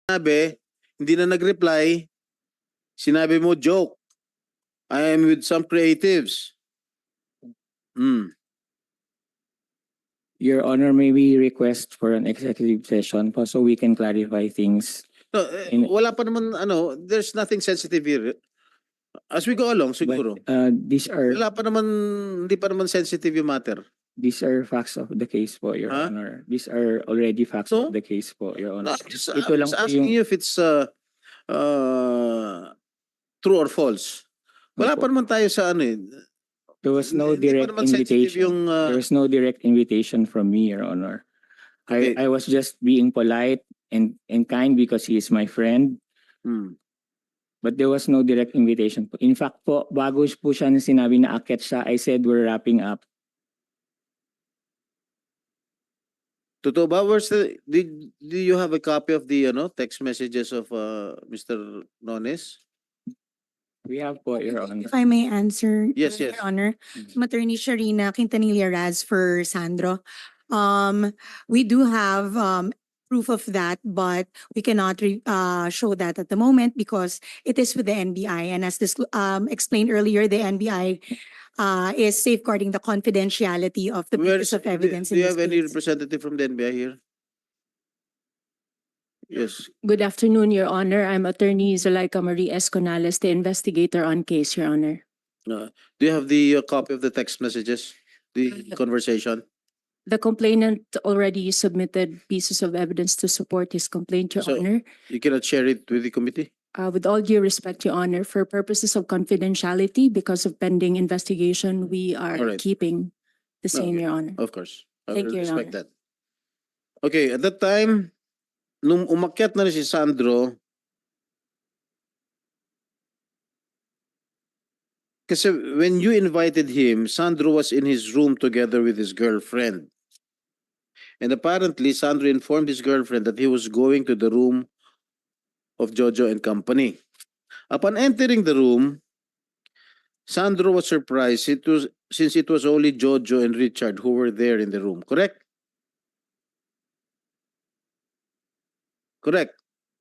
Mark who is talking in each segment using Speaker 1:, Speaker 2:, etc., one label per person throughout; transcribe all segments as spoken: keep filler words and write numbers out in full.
Speaker 1: sinabi, hindi na nag-reply, sinabi mo, joke. I am with some creatives. Hmm.
Speaker 2: Your Honor, may we request for an executive session po so we can clarify things.
Speaker 1: No, eh,
Speaker 2: In-
Speaker 1: wala pa naman, ano, there's nothing sensitive here. As we go along, siguro.
Speaker 2: But, uh, these are
Speaker 1: Wala pa naman, hindi pa naman sensitive yung matter.
Speaker 2: these are facts of the case po, Your
Speaker 1: Huh?
Speaker 2: Honor. These are already facts
Speaker 1: So?
Speaker 2: of the case po, Your
Speaker 1: No,
Speaker 2: Honor.
Speaker 1: I'm just,
Speaker 2: Ito
Speaker 1: I'm
Speaker 2: lang
Speaker 1: just
Speaker 2: po
Speaker 1: asking
Speaker 2: yung-
Speaker 1: you if it's uh, uh, true or false. Wala
Speaker 2: Opo.
Speaker 1: pa naman tayo sa ano eh.
Speaker 2: There was no
Speaker 1: Hindi pa
Speaker 2: direct
Speaker 1: naman sensitive
Speaker 2: invitation.
Speaker 1: yung, uh,
Speaker 2: There was no direct invitation from me, Your Honor.
Speaker 1: Okay.
Speaker 2: I, I was just being polite and, and kind because he is my friend.
Speaker 1: hmm.
Speaker 2: But there was no direct invitation po. In fact po, bago po siya na sinabi na akit siya, I said we're wrapping up.
Speaker 1: Totoo ba? Where's the, did, do you have a copy of the ano, text messages of uh, Mister Nones?
Speaker 2: We have po, Your Honor.
Speaker 3: If I may answer,
Speaker 1: Yes,
Speaker 3: Your
Speaker 1: yes.
Speaker 3: Honor,
Speaker 2: Mhm.
Speaker 3: I'm Attorney Sharina Quintanilla Raz for Sandro. Um, we do have um proof of that, but we cannot re- uh show that at the moment because it is with the N B I. And as this um explained earlier, the N B I uh is safeguarding the confidentiality of the
Speaker 1: Where
Speaker 3: pieces
Speaker 1: is,
Speaker 3: of
Speaker 1: do,
Speaker 3: evidence
Speaker 1: do
Speaker 3: in
Speaker 1: you
Speaker 3: this
Speaker 1: have any
Speaker 3: case.
Speaker 1: representative from the N B I here? Yes.
Speaker 4: Good afternoon, Your Honor. I'm Attorney Zuleika Marie Esconales, the investigator on case, Your Honor.
Speaker 1: Uh, do you have the uh, copy of the text messages? The conversation?
Speaker 4: The complainant already submitted pieces of evidence to support his complaint, Your
Speaker 1: So-
Speaker 4: Honor.
Speaker 1: You cannot share it with the committee?
Speaker 4: Uh, with all due respect, Your Honor, for purposes of confidentiality, because of pending investigation, we are
Speaker 1: All right.
Speaker 4: keeping the same,
Speaker 1: Okay.
Speaker 4: Your Honor.
Speaker 1: Of course. I
Speaker 4: Thank
Speaker 1: will
Speaker 4: you, Your
Speaker 1: respect
Speaker 4: Honor.
Speaker 1: that. Okay, at that time, nung umakyat na rin si Sandro, kasi when you invited him, Sandro was in his room together with his girlfriend. And apparently, Sandro informed his girlfriend that he was going to the room of Jojo and company. Upon entering the room, Sandro was surprised it was, since it was only Jojo and Richard who were there in the room. Correct? Correct.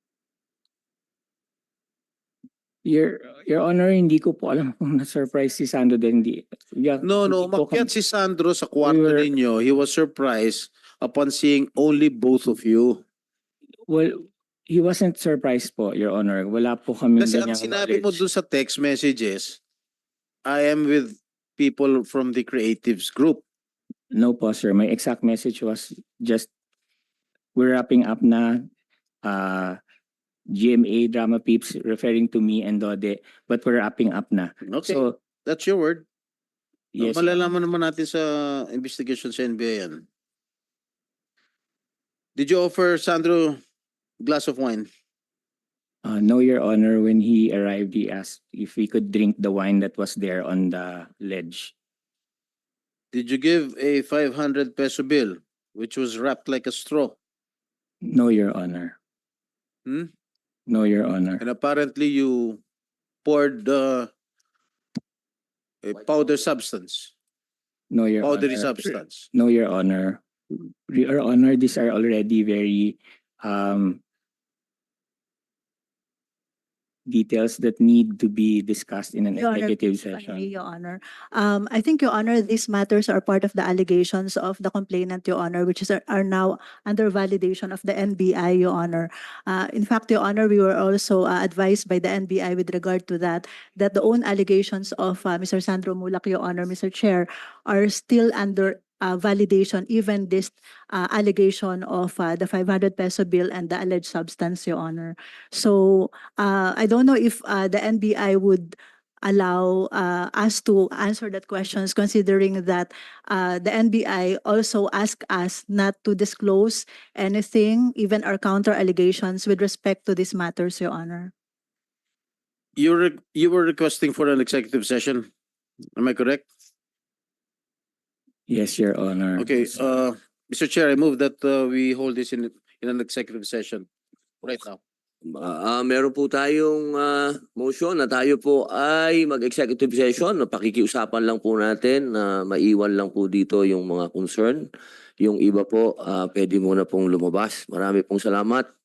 Speaker 2: Your, Your Honor, hindi ko po alam kung na-surprise si Sando din. Hindi. Yeah,
Speaker 1: No, no,
Speaker 2: hindi po
Speaker 1: umakyat
Speaker 2: kami-
Speaker 1: si Sandro sa kwarto
Speaker 2: We were-
Speaker 1: ninyo. He was surprised upon seeing only both of you.
Speaker 2: Well, he wasn't surprised po, Your Honor. Wala po kami
Speaker 1: Kasi ang
Speaker 2: ganyang
Speaker 1: sinabi mo
Speaker 2: knowledge.
Speaker 1: dun sa text messages, I am with people from the creatives group.
Speaker 2: No po, sir. My exact message was just, we're wrapping up na. Uh, G M A Drama Peeps referring to me and Dode, but we're wrapping up na.
Speaker 1: Okay,
Speaker 2: So,
Speaker 1: that's your word.
Speaker 2: yes.
Speaker 1: Malalaman naman natin sa investigation sa N B I yan. Did you offer Sandro a glass of wine?
Speaker 2: Uh, no, Your Honor, when he arrived, he asked if we could drink the wine that was there on the ledge.
Speaker 1: Did you give a five hundred peso bill which was wrapped like a straw?
Speaker 2: No, Your Honor.
Speaker 1: Hmm?
Speaker 2: No, Your Honor.
Speaker 1: And apparently you poured uh, a powder substance,
Speaker 2: No, Your
Speaker 1: powdery
Speaker 2: Honor.
Speaker 1: substance.
Speaker 2: No, Your Honor. Your Honor, these are already very um, details that need to be discussed in an
Speaker 5: Your Honor,
Speaker 2: executive
Speaker 5: if I may,
Speaker 2: session.
Speaker 5: Your Honor. Um, I think, Your Honor, these matters are part of the allegations of the complainant, Your Honor, which is are now under validation of the N B I, Your Honor. Uh, in fact, Your Honor, we were also uh, advised by the N B I with regard to that, that the own allegations of uh, Mister Sandro Mulak, Your Honor, Mister Chair, are still under uh, validation, even this uh, allegation of uh, the five hundred peso bill and the alleged substance, Your Honor. So uh, I don't know if uh, the N B I would allow uh, us to answer that questions, considering that uh, the N B I also asked us not to disclose anything, even our counter allegations with respect to these matters, Your Honor.
Speaker 1: You were, you were requesting for an executive session. Am I correct?
Speaker 2: Yes, Your Honor.
Speaker 1: Okay, uh, Mister Chair, I move that uh, we hold this in, in an executive session right now.
Speaker 6: Ah, meron po tayong ah, motion na tayo po ay mag-executive session. Pakikiusapan lang po natin na maiwan lang po dito yung mga concern. Yung iba po, ah, pwede muna pong lumabas. Marami pong salamat.